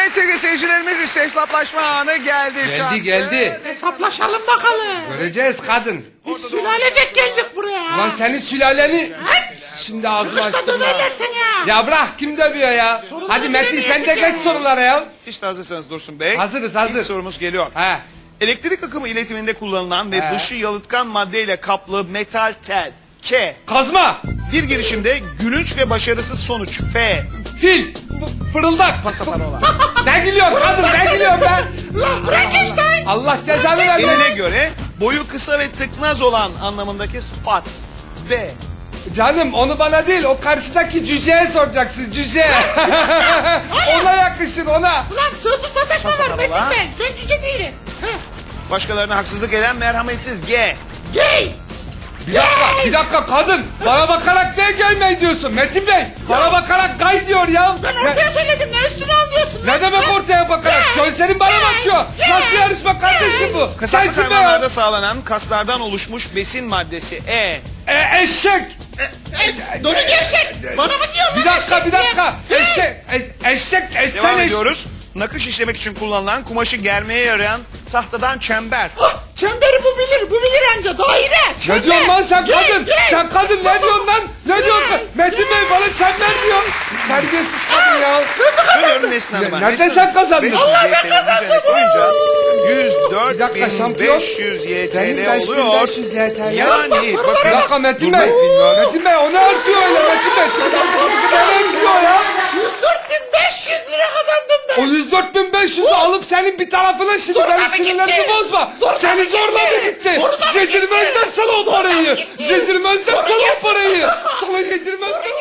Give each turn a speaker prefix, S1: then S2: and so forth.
S1: Evet sevgili seyircilerimiz işte hesaplaşma anı geldi.
S2: Geldi.
S3: Hesaplaşalım bakalım.
S2: Göreceğiz kadın.
S3: Biz sülalecek geldik buraya.
S2: Ulan senin sülaleni... Şimdi ağzımı
S3: Çıkışta
S2: açtım
S3: döverler seni ya.
S2: Ya bırak, kim dövüyor ya?
S3: Soruları
S2: Hadi Metin
S3: bilemiyorsun
S2: sen de
S3: ya.
S2: geç sorulara ya.
S1: İşte hazırsanız Dursun Bey.
S2: Hazırız.
S1: İlk sorumuz geliyor.
S2: He.
S1: Elektrik akımı iletiminde kullanılan ve
S2: He.
S1: dışı yalıtkan maddeyle kaplı metal tel. K.
S2: Kazma.
S1: Bir girişimde gülünç ve başarısız sonuç. F.
S2: Fil. Fırıldak.
S1: Pasaparola.
S2: Ne gülüyorsun kadın, ne gülüyorsun be?
S3: Lan Frankenstein.
S2: Allah cezanı vermesin.
S1: Eline göre boyu kısa ve tıknaz olan anlamındaki sıfat. V.
S2: Canım onu bana değil, o karşıdaki cüceye soracaksın, cüce. Ona yakışır, ona.
S3: Ulan sözlü sataşma var
S1: Pasaparola.
S3: Metin Bey. Ben cüce değilim. Heh.
S1: Başkalarına haksızlık eden merhametsiz. G.
S3: Gay.
S2: Bir dakika kadın. Bana bakarak ne gelmeyi diyorsun Metin Bey? Bana bakarak gay diyor ya.
S3: Ben ortaya söyledim ne üstüne alıyorsun?
S2: Ne demek ortaya bakarak? Gözlerin bana bakıyor. Nasıl yarışma kardeşim bu?
S1: Kasaplık
S2: Sensin be
S1: hayvanlarda
S2: ya.
S1: sağlanan kaslardan oluşmuş besin maddesi. E.
S2: Eşek.
S3: Donu gevşek. Bana mı diyorsun?
S2: Bir dakika. Eşek.
S1: Devam
S2: Sen
S1: ediyoruz. Nakış işlemek için kullanılan kumaşı germeye yarayan tahtadan çember.
S3: Çemberi bu bilir anca daire.
S2: Ne diyorsun lan sen
S3: Gay,
S2: kadın?
S3: gay.
S2: Sen kadın ne diyorsun lan? Ne diyorsun? Metin Bey bana çember diyor. Terbiyesiz kadın ya.
S1: Dönüyorum Nesli Hanım'a.
S2: Nerede
S1: Nesli
S2: sen
S1: Hanım,
S2: kazandın?
S1: 500
S2: Allah
S1: YTL'nin üzerine koyunca
S2: Bir dakika, şampiyon.
S1: 104.500
S2: Benim
S1: YTL oluyor.
S2: 5500 YTL.
S1: Yani
S2: Bir
S1: bakın.
S2: dakika Metin
S1: Durmayın,
S2: Bey.
S1: bilmiyorum.
S2: Metin Bey o ne örtüyor öyle Metin Bey? Ne örtüyor ya?
S3: 104.500 lira kazandım ben.
S2: O 104.500'ü alıp senin bir tarafına şimdi
S3: Zorla
S2: benim
S3: mı
S2: sinirlerimi
S3: gitti?
S2: bozma.
S3: Zorla
S2: Seni
S3: mı
S2: zorla mı
S3: gitti?
S2: gitti?
S3: Zorla mı
S2: Yedirmezler
S3: gitti?
S2: sana o
S3: Zorla mı
S2: parayı.
S3: gitti?
S2: Yedirmezler
S3: Zorla
S2: sana o
S3: gitti.
S2: parayı. Sana yedirmezler